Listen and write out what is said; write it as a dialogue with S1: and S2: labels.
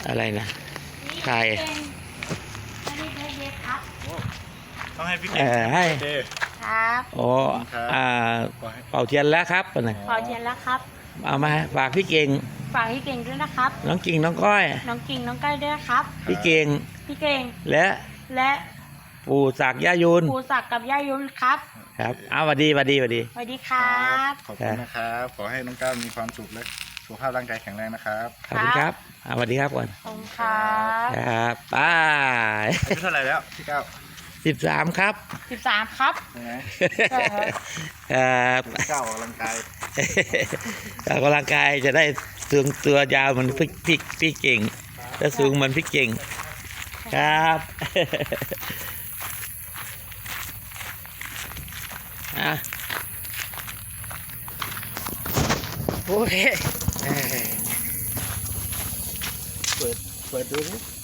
S1: อะไรนะใคร
S2: ต้องให้พี่เก่ง
S1: ให้
S3: ครับ
S1: โอ้เป่าเทียนแล้วครับนะ
S3: ขอเทียนแล้วครับ
S1: เอามาฝากพี่เก่ง
S3: ฝากพี่เก่งด้วยนะครับ
S1: น้องกิ่งน้องก้อย
S3: น้องกิ่งน้องก้อยด้วยนะครับ
S1: พี่เก่ง
S3: พี่เก่ง
S1: และ
S3: และ
S1: ปู่ศักดิ์ย่ายุน
S3: ครูศักดิ์กับย่ายุนครับ
S1: ครับเอาสวัสดีสวัสดีสวัสดี
S3: สวัสดีครับ
S2: ขอบคุณนะครับ ขอให้น้องก้าวมีความสุขและสุขภาพร่างกายแข็งแรงนะครับ
S1: ขอบคุณครับสวัสดีครับก่อน
S3: ขอบคุณครับ
S1: ครับไป้า
S2: อายุเท่าไหร่แล้วพี่ก้าว
S1: 13ครับ
S3: 13ครับ
S2: ใช่ไหม
S1: ครับ
S2: พี่ก้าวออกกำลังกาย
S1: ออกกำลังกายจะได้สูงตัวยาวเหมือนพี่เก่งจะสูงเหมือนพี่เก่งครับโอเคเปิดดูนะ